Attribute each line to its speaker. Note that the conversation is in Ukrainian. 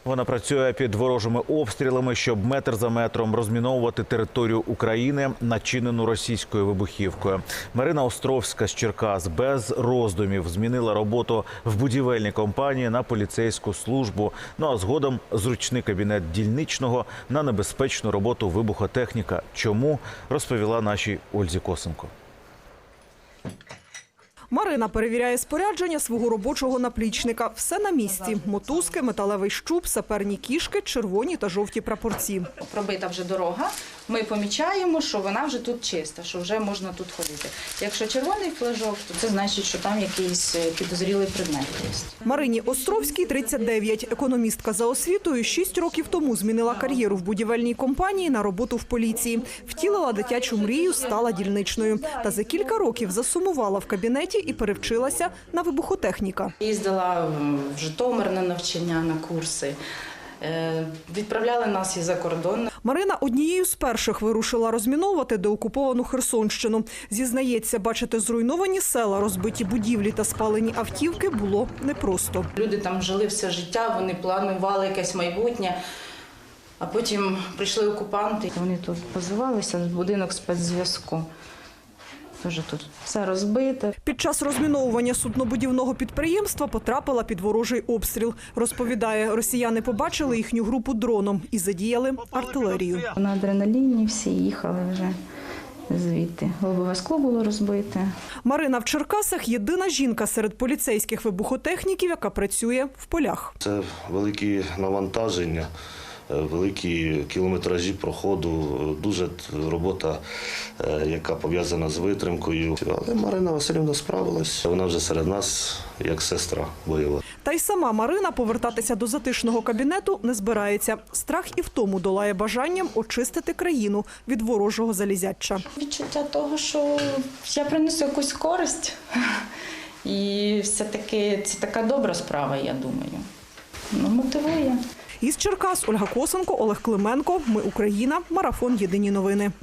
Speaker 1: Вона працює під ворожими обстрілами, щоб метр за метром розміновувати територію України, начинену російською вибухівкою. Марина Островська з Черкас без роздумів змінила роботу в будівельній компанії на поліцейську службу. Ну а згодом зручний кабінет дільничного на небезпечну роботу вибухотехніка. Чому, розповіла нашій Ользі Косенко.
Speaker 2: Марина перевіряє спорядження свого робочого наплічника. Все на місці. Мотузки, металевий щуп, саперні кішки, червоні та жовті прапорці.
Speaker 3: Пробита вже дорога, ми помічаємо, що вона вже тут чиста, що вже можна тут ходити. Якщо червоний флажок, то це значить, що там якийсь підозрілий предмет є.
Speaker 2: Марині Островській 39. Економістка за освітою 6 років тому змінила кар'єру в будівельній компанії на роботу в поліції. Втілила дитячу мрію, стала дільничною. Та за кілька років засумувала в кабінеті і перевчилася на вибухотехніка.
Speaker 3: Їздила в Житомир на навчання, на курси. Відправляли нас і за кордон.
Speaker 2: Марина однією з перших вирушила розміновувати деокуповану Херсонщину. Зізнається, бачити зруйновані села, розбиті будівлі та спалені автівки було непросто.
Speaker 3: Люди там жили все життя, вони планували якесь майбутнє. А потім прийшли окупанти. Вони тут позивалися в будинок спецзв'язку. Дуже тут все розбите.
Speaker 2: Під час розміновування суднобудівного підприємства потрапила під ворожий обстріл. Розповідає, росіяни побачили їхню групу дроном і задіяли артилерію.
Speaker 3: На адреналіні всі їхали вже звідти. Лобове скло було розбите.
Speaker 2: Марина в Черкасах – єдина жінка серед поліцейських вибухотехніків, яка працює в полях.
Speaker 4: Це великі навантаження, великі кілометражі проходу, дуже робота, яка пов'язана з витримкою. Але Марина Василівна справилась, вона вже серед нас як сестра бойова.
Speaker 2: Та й сама Марина повертатися до затишного кабінету не збирається. Страх і втому долає бажанням очистити країну від ворожого залізяча.
Speaker 3: Відчуття того, що я принесу якусь користь. І все-таки це така добра справа, я думаю. Мотивує.
Speaker 2: Із Черкас Ольга Косенко, Олег Клименко. Ми Україна. Марафон. Єдині новини.